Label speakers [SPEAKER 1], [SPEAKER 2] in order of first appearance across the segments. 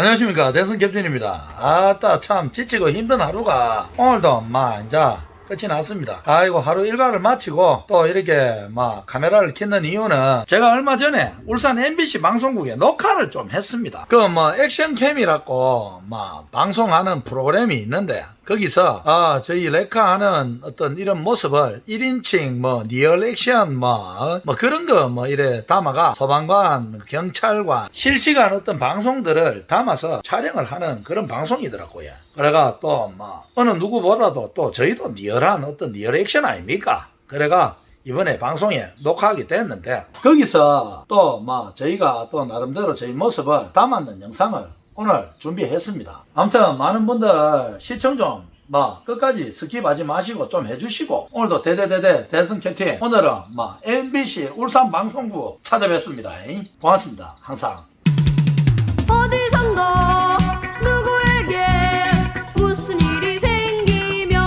[SPEAKER 1] 안녕하십니까, 대선 캡틴입니다. 아따 참 지치고 힘든 하루가 오늘도 이제 끝이 났습니다. 아이고, 하루 일과를 마치고 또 이렇게 카메라를 켰는 이유는 제가 얼마 전에 울산 MBC 방송국에 녹화를 좀 했습니다. 액션캠이라고 방송하는 프로그램이 있는데 거기서 저희 레카하는 어떤 이런 모습을 1인칭 리얼 액션 그런 거 이래 담아가 소방관, 경찰관 실시간 어떤 방송들을 담아서 촬영을 하는 그런 방송이더라고요. 그래가 또 어느 누구보다도 또 저희도 리얼한 어떤 리얼 액션 아닙니까? 그래가 이번에 방송에 녹화하게 됐는데 거기서 또 저희가 또 나름대로 저희 모습을 담았는 영상을 오늘 준비했습니다. 아무튼 많은 분들 시청 좀 끝까지 스킵하지 마시고 좀 해주시고, 오늘도 대대대대 대선 캡틴 오늘은 MBC 울산 방송국 찾아뵙습니다. 고맙습니다. 항상.
[SPEAKER 2] 어디선가 누구에게 무슨 일이 생기면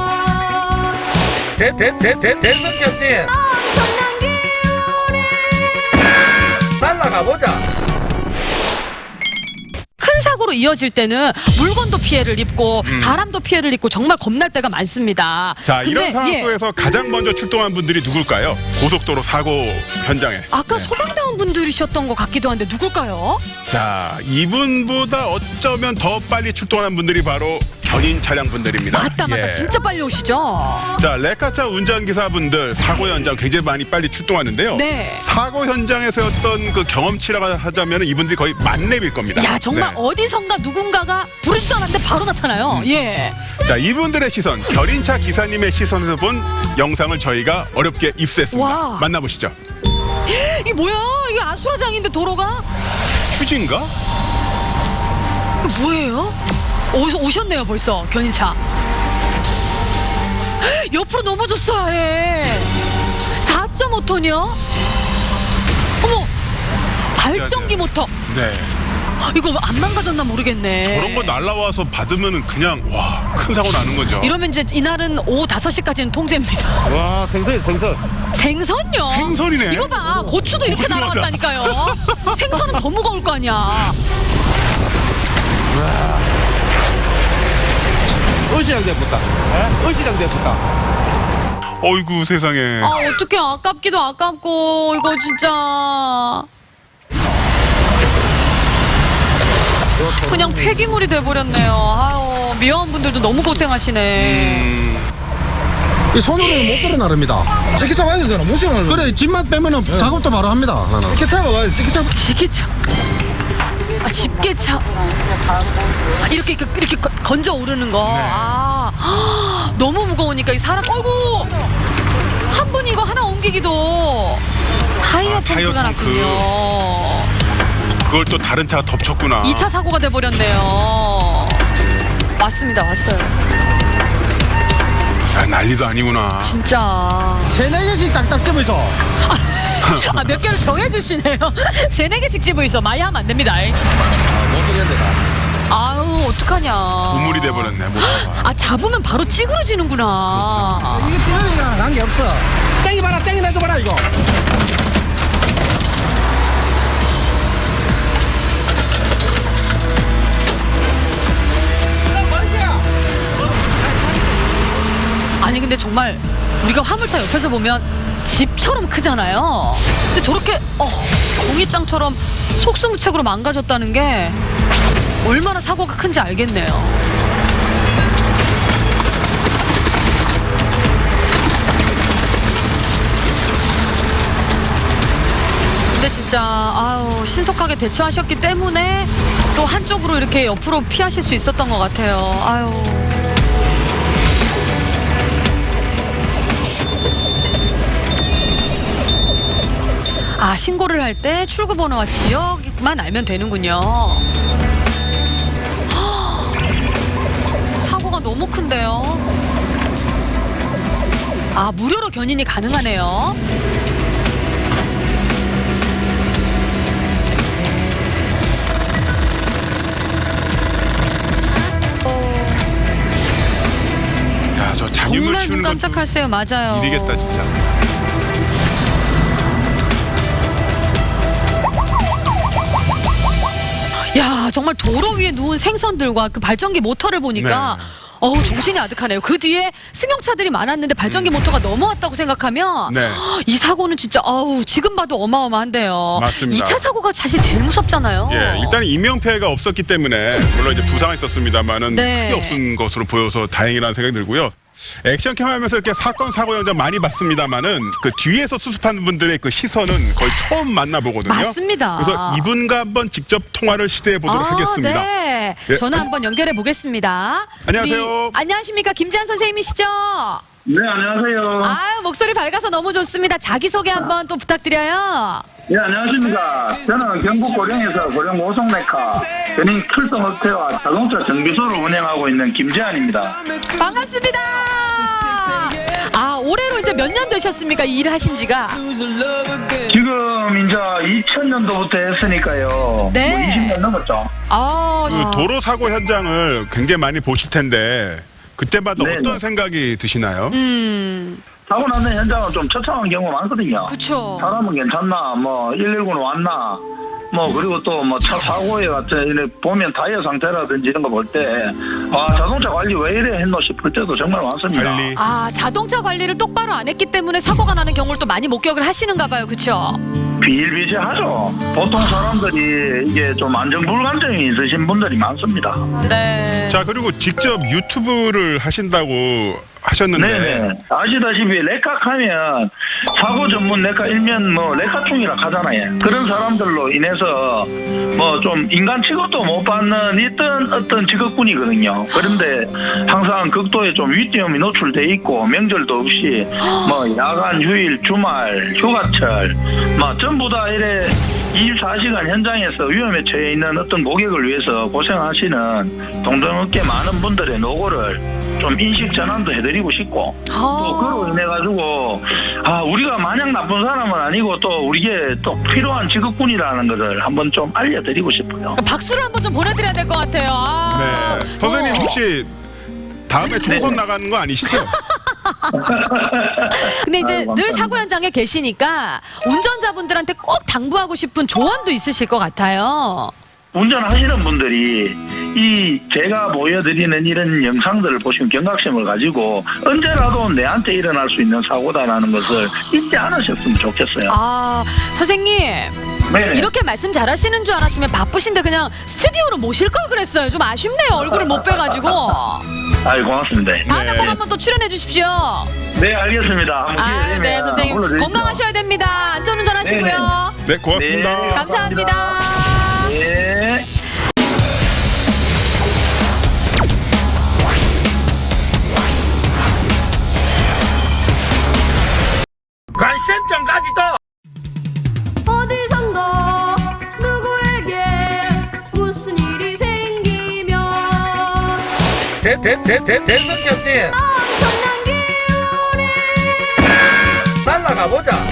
[SPEAKER 1] 대선 캡틴
[SPEAKER 2] 엄청난 기운이
[SPEAKER 1] 날라가 보자.
[SPEAKER 3] 큰 사고로 이어질 때는 물건도 피해를 입고 사람도 피해를 입고 정말 겁날 때가 많습니다.
[SPEAKER 4] 자,
[SPEAKER 3] 근데,
[SPEAKER 4] 이런 상황 속에서 가장 먼저 출동한 분들이 누굴까요? 고속도로 사고 현장에.
[SPEAKER 3] 아까 소방대원 분들이셨던 것 같기도 한데 누굴까요?
[SPEAKER 4] 자, 이분보다 어쩌면 더 빨리 출동한 분들이 바로 견인 차량 분들입니다.
[SPEAKER 3] 맞다 진짜 빨리 오시죠.
[SPEAKER 4] 자, 레카차 운전기사분들 사고 현장 굉장히 많이 빨리 출동하는데요.
[SPEAKER 3] 네.
[SPEAKER 4] 사고 현장에서였던 그 경험치라고 하자면 이분들이 거의 만렙일 겁니다.
[SPEAKER 3] 야, 정말
[SPEAKER 4] 네.
[SPEAKER 3] 어디선가 누군가가 부르지도 않았는데 바로 나타나요. 예.
[SPEAKER 4] 자, 이분들의 시선, 견인차 기사님의 시선에서 본 영상을 저희가 어렵게 입수했습니다.
[SPEAKER 3] 와.
[SPEAKER 4] 만나보시죠.
[SPEAKER 3] 이게 뭐야? 이게 아수라장인데 도로가?
[SPEAKER 4] 휴지인가?
[SPEAKER 3] 이거 뭐예요? 오셨네요 벌써 견인차. 옆으로 넘어졌어 아예. 4.5톤이요? 어머, 발전기 모터.
[SPEAKER 4] 네.
[SPEAKER 3] 이거 안 망가졌나 모르겠네.
[SPEAKER 4] 저런 거 날라와서 받으면은 그냥 큰 사고 나는 거죠.
[SPEAKER 3] 이러면 이제 이날은 오후 5시까지는 통제입니다.
[SPEAKER 5] 와, 생선.
[SPEAKER 3] 생선요?
[SPEAKER 4] 생선이네.
[SPEAKER 3] 이거 봐, 고추도 이렇게
[SPEAKER 4] 어디로 가자.
[SPEAKER 3] 날아갔다니까요. 생선은 더 무거울 거 아니야.
[SPEAKER 5] 어시장대부터. 어시장대부터.
[SPEAKER 4] 어이구 세상에.
[SPEAKER 3] 아, 어떡해. 아깝기도 아깝고 이거 진짜 그냥 폐기물이 돼버렸네요. 아유, 미화원 분들도 너무 고생하시네.
[SPEAKER 6] 이 손으로는 못 끌어 나릅니다.
[SPEAKER 7] 찌개차 와야 되잖아. 못 실어.
[SPEAKER 6] 그래, 집만 빼면은 작업도 바로 합니다. 나는.
[SPEAKER 7] 찌개차가 와야 돼. 찌개차.
[SPEAKER 3] 지게차. 아, 집게차. 아, 이렇게 건져 오르는 거. 아, 너무 무거우니까 이 사람. 어이구. 한 분이 이거 하나 옮기기도 타이어
[SPEAKER 4] 타이어
[SPEAKER 3] 펑크가
[SPEAKER 4] 펑크.
[SPEAKER 3] 났군요.
[SPEAKER 4] 그걸 또 다른 차가 덮쳤구나.
[SPEAKER 3] 2차 사고가 돼버렸네요. 왔습니다. 왔어요.
[SPEAKER 4] 야, 난리도 아니구나.
[SPEAKER 3] 진짜.
[SPEAKER 6] 3-4개씩 딱딱 집어서.
[SPEAKER 3] 아, 몇 개를 정해주시네요. 3-4개씩 집어 있어. 많이 하면 안 됩니다. 아유, 어떡하냐.
[SPEAKER 4] 우물이 돼버렸네. 모터가.
[SPEAKER 3] 아, 잡으면 바로 찌그러지는구나.
[SPEAKER 7] 이게 찌개랑 관계 없어.
[SPEAKER 6] 땡이 봐라, 땡이 내줘봐라, 이거.
[SPEAKER 3] 아니, 근데 정말 우리가 화물차 옆에서 보면 집처럼 크잖아요. 근데 저렇게 종이장처럼 속수무책으로 망가졌다는 게 얼마나 사고가 큰지 알겠네요. 근데 진짜 아유, 신속하게 대처하셨기 때문에 또 한쪽으로 이렇게 옆으로 피하실 수 있었던 것 같아요. 아유. 아, 신고를 할 때 출구 번호와 지역만 알면 되는군요. 사고가 너무 큰데요. 아, 무료로 견인이 가능하네요.
[SPEAKER 4] 야, 저 잔유물
[SPEAKER 3] 정말
[SPEAKER 4] 치우는
[SPEAKER 3] 눈
[SPEAKER 4] 건
[SPEAKER 3] 깜짝할세요. 맞아요.
[SPEAKER 4] 일이겠다 진짜.
[SPEAKER 3] 야, 야, 정말 도로 위에 누운 생선들과 그 발전기 모터를 보니까 어우, 정신이 아득하네요. 그 뒤에 승용차들이 많았는데 발전기 모터가 넘어왔다고 생각하면
[SPEAKER 4] 네.
[SPEAKER 3] 이 사고는 진짜 어우, 지금 봐도 어마어마한데요.
[SPEAKER 4] 맞습니다.
[SPEAKER 3] 2차 사고가 사실 제일 무섭잖아요.
[SPEAKER 4] 예, 일단 인명피해가 없었기 때문에 물론 이제 부상은 있었습니다만은
[SPEAKER 3] 네.
[SPEAKER 4] 크게 없은 것으로 보여서 다행이라는 생각이 들고요. 액션캠 하면서 이렇게 사건 사고 현장 많이 봤습니다만은 그 뒤에서 수습하는 분들의 그 시선은 거의 처음 만나보거든요.
[SPEAKER 3] 맞습니다.
[SPEAKER 4] 그래서 이분과 한번 직접 통화를 시도해 보도록 하겠습니다.
[SPEAKER 3] 네.
[SPEAKER 4] 예.
[SPEAKER 3] 전화 한번 연결해 보겠습니다.
[SPEAKER 4] 안녕하세요.
[SPEAKER 3] 안녕하십니까? 김지한 선생님이시죠?
[SPEAKER 8] 네, 안녕하세요.
[SPEAKER 3] 아유, 목소리 밝아서 너무 좋습니다. 자기소개 한번 또 부탁드려요.
[SPEAKER 8] 네, 안녕하십니까. 저는 경북 고령에서 고령 오송메카 견인 출동업체와 자동차 정비소를 운영하고 있는 김재환입니다.
[SPEAKER 3] 반갑습니다. 아, 올해로 이제 몇 년 되셨습니까? 이 일을 하신 지가?
[SPEAKER 8] 지금 이제 2000년도부터 했으니까요.
[SPEAKER 3] 네.
[SPEAKER 8] 뭐 20년 넘었죠.
[SPEAKER 3] 아,
[SPEAKER 4] 그 도로 사고 현장을 굉장히 많이 보실 텐데 그때마다
[SPEAKER 8] 네네.
[SPEAKER 4] 어떤 생각이 드시나요?
[SPEAKER 8] 사고 나는 현장은 좀 처참한 경우가 많거든요.
[SPEAKER 3] 그쵸.
[SPEAKER 8] 사람은 괜찮나, 뭐 119는 왔나, 뭐 그리고 또 뭐 차 사고에 같은 이렇게 보면 타이어 상태라든지 이런 거 볼 때 아, 자동차 관리 왜 이래 했노 싶을 때도 정말 많습니다.
[SPEAKER 4] 관리.
[SPEAKER 3] 아, 자동차 관리를 똑바로 안 했기 때문에 사고가 나는 경우를 또 많이 목격을 하시는가 봐요. 그쵸?
[SPEAKER 8] 비일비재하죠. 보통 사람들이 이게 좀 안전불감증이 있으신 분들이 많습니다.
[SPEAKER 3] 네.
[SPEAKER 4] 자, 그리고 직접 유튜브를 하신다고 하셨는데
[SPEAKER 8] 네네. 아시다시피 레카하면 사고 전문 레카 일면 뭐 레카충이라 하잖아요. 그런 사람들로 인해서 뭐 좀 인간 취급도 못 받는 있던 어떤 직업군이거든요. 그런데 항상 극도의 좀 위험이 노출돼 있고 명절도 없이 뭐 야간 휴일 주말 휴가철 뭐 전부 다 이래 24시간 현장에서 위험에 처해 있는 어떤 고객을 위해서 고생하시는 동종업계 많은 분들의 노고를 좀 인식 전환도 해드리고 싶고 또 그로 인해 가지고 아 우리가 마냥 나쁜 사람은 아니고 또 우리에게 또 필요한 직업군이라는 것을 한번 좀 알려드리고 싶어요.
[SPEAKER 3] 박수를 한번 좀 보내드려야 될 것 같아요. 아.
[SPEAKER 4] 네. 선생님 혹시 다음에 총선
[SPEAKER 8] 네.
[SPEAKER 4] 나가는 거 아니시죠?
[SPEAKER 3] 근데 이제
[SPEAKER 8] 아유,
[SPEAKER 3] 늘
[SPEAKER 8] 감사합니다.
[SPEAKER 3] 사고 현장에 계시니까 운전자분들한테 꼭 당부하고 싶은 조언도 있으실 것 같아요.
[SPEAKER 8] 운전하시는 분들이 이 제가 보여드리는 이런 영상들을 보시면 경각심을 가지고 언제라도 내한테 일어날 수 있는 사고다라는 것을 잊지 않으셨으면 좋겠어요.
[SPEAKER 3] 아, 선생님.
[SPEAKER 8] 네네.
[SPEAKER 3] 이렇게 말씀 잘하시는 줄 알았으면 바쁘신데 그냥 스튜디오로 모실 걸 그랬어요. 좀 아쉽네요. 얼굴을 못 뵈가지고.
[SPEAKER 8] 아이 고맙습니다.
[SPEAKER 3] 다음에
[SPEAKER 4] 네.
[SPEAKER 3] 꼭 한번 또 출연해 주십시오.
[SPEAKER 8] 네 알겠습니다. 한번 기회
[SPEAKER 3] 아,
[SPEAKER 8] 되면
[SPEAKER 3] 네, 선생님.
[SPEAKER 8] 불러드리죠.
[SPEAKER 3] 건강하셔야 됩니다. 안전운전 하시고요.
[SPEAKER 4] 네, 고맙습니다.
[SPEAKER 8] 네.
[SPEAKER 3] 감사합니다.
[SPEAKER 8] 네.
[SPEAKER 1] 관심점까지도
[SPEAKER 2] 어디선가 누구에게 무슨 일이 생기면
[SPEAKER 1] 대선 경진
[SPEAKER 2] 엄청난 기운이
[SPEAKER 1] 날라가 보자.